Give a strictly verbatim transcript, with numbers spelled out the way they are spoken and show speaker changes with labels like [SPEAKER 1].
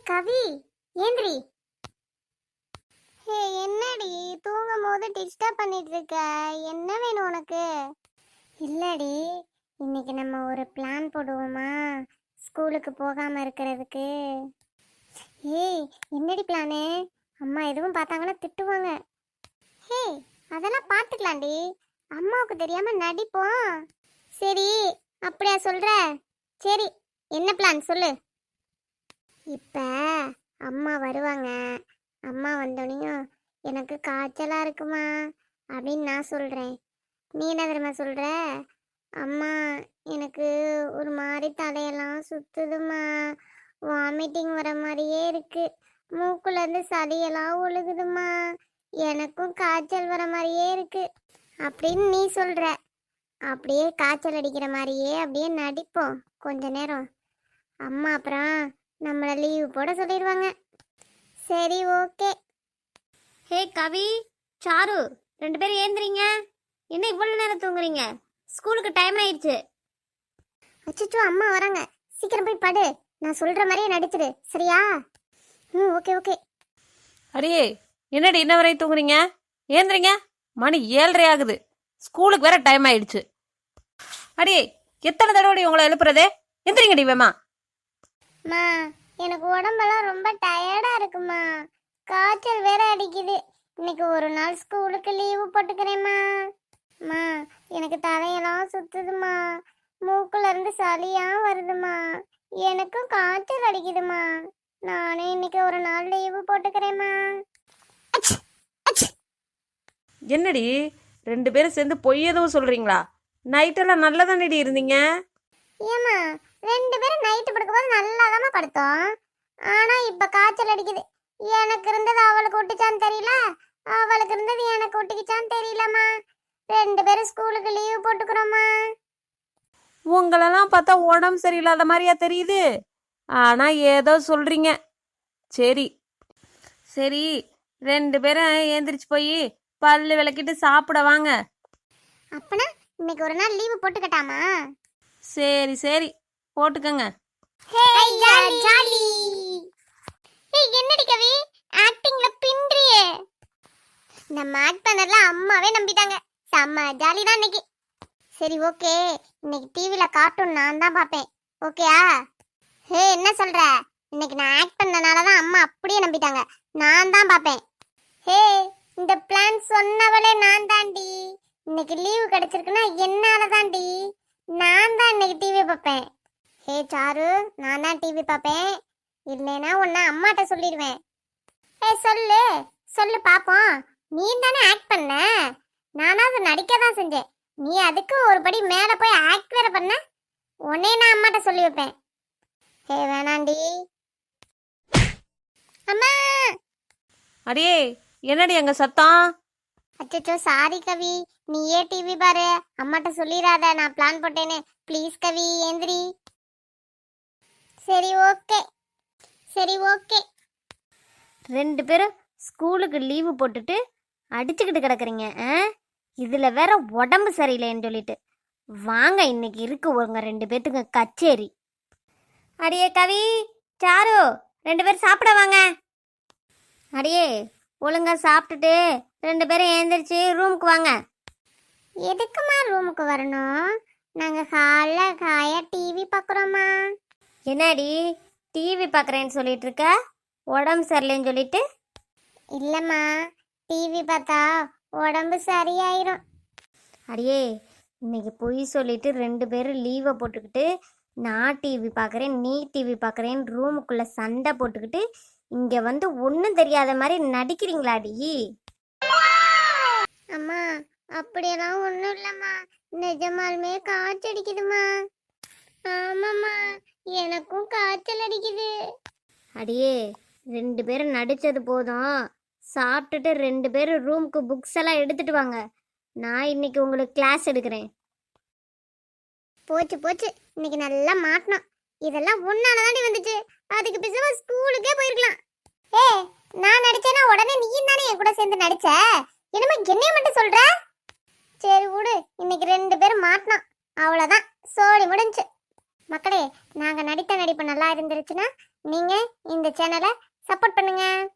[SPEAKER 1] கவி, ஏந்திரி. ஹே, என்னடி தூங்கும் போது டிஸ்டர்ப் பண்ணிட்டு இருக்க? என்ன வேணும் உனக்கு? இல்லடி, இன்னைக்கு நம்ம ஒரு பிளான் போடுவோமா ஸ்கூலுக்கு போகாம இருக்கிறதுக்கு? ஏய், என்னடி பிளானு? அம்மா எதுவும் பார்த்தாங்கன்னா திட்டுவாங்க. ஹே, அதெல்லாம் பார்த்துக்கலாம்டி. அம்மாவுக்கு தெரியாம நடிப்போம். சரி, அப்படியா சொல்ற? சரி, என்ன பிளான் சொல்லு. இப்ப அம்மா வருவாங்க. அம்மா வந்தோடனையும் எனக்கு காய்ச்சலா இருக்குமா அப்படின்னு நான் சொல்றேன். நீ என்ன தெரியுமா சொல்ற? அம்மா, எனக்கு ஒரு மாதிரி தலையெல்லாம் சுத்துதுமா, வாமிட்டிங் வர மாதிரியே இருக்கு, மூக்குல இருந்து சளியெல்லாம் ஒழுகுதுமா, எனக்கும் காய்ச்சல் வர மாதிரியே இருக்கு அப்படின்னு நீ சொல்ற. அப்படியே காய்ச்சல் அடிக்கிற மாதிரியே அப்படியே நடிப்போம் கொஞ்ச நேரம். அம்மா அப்புறம் நம்மளை லீவு போட சொல்லிடுவாங்க. சரி, ஓகே.
[SPEAKER 2] ஹே கவி, சாரு, ரெண்டு பேரும் ஏந்திரீங்க. என்ன இவ்வளவு நேரம் தூங்குறீங்க? ஸ்கூலுக்கு டைம் ஆயிடுச்சு.
[SPEAKER 1] அச்சோ, அம்மா வராங்க. சீக்கிரம் போய் படு. நான் சொல்ற மாதிரியே நடிச்சிடு, சரியா? ம், ஓகே ஓகே.
[SPEAKER 3] அடியே, என்னடி இன்ன வரையும் தூங்குறீங்க? ஏந்திரிங்க, மணி ஏழரை ஆகுது. ஸ்கூலுக்கு வேற டைம் ஆயிடுச்சு. அடியே, எத்தனை தடவை உங்களை எழுப்புறதே? எந்திரிங்கடி வேமா.
[SPEAKER 1] மா, எனக்கு உடம்பெல்லாம் ரொம்ப டயர்டா இருக்குமா, காய்ச்சல் வேற அடிக்குது. இன்னைக்கு ஒரு நாள் ஸ்கூலுக்கு லீவு போட்டுக்கிறேம்மா. மா, எனக்கு தலையெல்லாம் சுத்துதுமா, மூக்குல இருந்து சளியா வருதுமா, எனக்கும் காய்ச்சல் அடிக்குதுமா. நானே இன்னைக்கு ஒரு நாள் லீவு போட்டுக்கிறேம்மா.
[SPEAKER 3] என்னடி ரெண்டு பேரும் சேர்ந்து பொய் எதுவும் சொல்றீங்களா? நைட்டெல்லாம் நல்லா தானடி இருந்தீங்க.
[SPEAKER 1] ஏமா, ரெண்டு பேரும் நைட்டு படுக்கும்போது நல்லாதாம்மா படுத்தோம். ஆனா இப்ப காய்ச்சல் அடிக்குது. எனக்கு இருந்தது அவளுக்கு ஒட்டிச்சான்னு தெரியல, அவளுக்கு இருந்தது எனக்கு ஒட்டிக்கிச்சான்னு தெரியலம்மா. ரெண்டு பேரும் ஸ்கூலுக்கு லீவு போட்டுக்கிறோம்மா.
[SPEAKER 3] உங்களெல்லாம் பார்த்தா உடம்பு சரியில்லாத மாதிரியா தெரியுது. ஆனா ஏதோ சொல்றீங்க. சரி சரி, ரெண்டு பேரும் ஏந்திரிச்சு போய் பல்லு விளக்கிட்டு சாப்பிட வாங்க.
[SPEAKER 1] அப்பனா இன்னைக்கு ஒரு நாள் லீவு போட்டுக்கட்டாமா?
[SPEAKER 3] சரி சரி, போட்டுக்கங்க.
[SPEAKER 1] என்னடி கவி, ஆக்டிங்ல பின்றியே. நம்ம ஆக்ட் பண்ணல அம்மாவே நம்பிட்டாங்க. செம்ம ஜாலி தான் இன்னைக்கு. சரி, ஓகே. இன்னைக்கு டிவில கார்ட்டூன் நான் தான் பாப்பேன், ஓகேயா? ஹே, என்ன சொல்ற? இன்னைக்கு நான் ஆக்ட் பண்ணனால தான் அம்மா அப்படியே நம்பிட்டாங்க. நான் தான் பாப்பேன். ஹே, இந்த பிளான் சொன்னவளே நான் தாண்டி. இன்னைக்கு லீவு கிடைச்சிருக்குன்னா என்னால தாண்டி. நான் தான் இன்னைக்கு டிவி பார்ப்பேன். ஹே சாரு, நான் தான் டிவி பார்ப்பேன். இல்லைன்னா உன்னை அம்மாட்ட சொல்லிடுவேன். ஹே, சொல்லு சொல்லு பாப்போம். நீ தானே ஆக்ட் பண்ண, நானாவது நடிக்க தான் செஞ்சேன். நீ அதுக்கு ஒரு படி மேல போய் ஆக்ட் வேற பண்ண. உன்னே நான் அம்மாட்ட சொல்லி வைப்பேன். ஹே, வேணாண்டி. அம்மா.
[SPEAKER 3] அடியே, என்னடி அங்க சத்தம்?
[SPEAKER 1] அச்சோ, சாரி கவி, நீயே டிவி பாரு, அம்மாட்ட சொல்லிடாத நான் பிளான் போட்டேன்னு. ப்ளீஸ் கவி, ஏந்திரி. சரி, ஓகே சரி ஓகே.
[SPEAKER 2] ரெண்டு பேரும் ஸ்கூலுக்கு லீவு போட்டுட்டு அடிச்சுக்கிட்டு கிடக்குறீங்க. இதில் வேற உடம்பு சரியில்லைன்னு சொல்லிட்டு வாங்க, இன்னைக்கு இருக்கு உங்க ரெண்டு பேத்துக்கு கச்சேரி. அடியே கவி, சாரு, ரெண்டு பேரும் சாப்பிட வாங்க. அடியே, ஒழுங்கா சாப்பிட்டுட்டு ரெண்டு பேரும் எழுந்திரிச்சு ரூமுக்கு வாங்க.
[SPEAKER 1] எதுக்குமா ரூமுக்கு வரணும்? நாங்கள் ஹாலில் காயா டிவி பார்க்குறோம்மா.
[SPEAKER 2] என்னடி டிவி பார்க்குறேன்னு சொல்லிட்டு இருக்க? உடம்பு சரியில்லைன்னு சொல்லிட்டு?
[SPEAKER 1] இல்லைம்மா, டிவி பார்த்தா உடம்பு சரியாயிரும்.
[SPEAKER 2] அடியே, இன்னைக்கு பொய் சொல்லிட்டு ரெண்டு பேரும் லீவை போட்டுக்கிட்டு நான் டிவி பார்க்குறேன் நீ டிவி பார்க்குறேன்னு ரூமுக்குள்ளே சண்டை போட்டுக்கிட்டு இங்கே வந்து ஒன்றும் தெரியாத மாதிரி நடிக்கிறீங்களாடி?
[SPEAKER 1] அம்மா, அப்படியெல்லாம் ஒன்றும் இல்லைம்மா, நிஜமாலுமே காய்ச்சல் அடிக்குதுமா. ஆமாம்மா, எனக்கும் காய்ச்சல் அடிக்குது.
[SPEAKER 2] அடியே, ரெண்டு பேரும் நடித்தது போதும். சாப்பிட்டுட்டு ரெண்டு பேரும் ரூமுக்கு புக்ஸ் எல்லாம் எடுத்துட்டு வாங்க. நான் இன்னைக்கு உங்களுக்கு கிளாஸ் எடுக்கிறேன்.
[SPEAKER 1] போச்சு போச்சு, இன்னைக்கு நல்லா மாட்டணும். இதெல்லாம் ஒன்னால தாண்டி வந்துச்சு. அதுக்கு பேசாம ஸ்கூலுக்கே போயிருக்கலாம். ஏ, நான் நடிச்சேன்னா உடனே நீயும் தானே என் கூட சேர்ந்து நடிச்ச. என்னமா என்னைய மட்டும் சொல்ற? சரி விடு, இன்னைக்கு ரெண்டு பேரும் மாட்டணும், அவ்வளோதான், சோழி முடிஞ்சு. மக்களே, நாங்கள் நடித்த நடிப்பு நல்லா இருந்துருச்சுன்னா நீங்க இந்த சேனலை சப்போர்ட் பண்ணுங்க.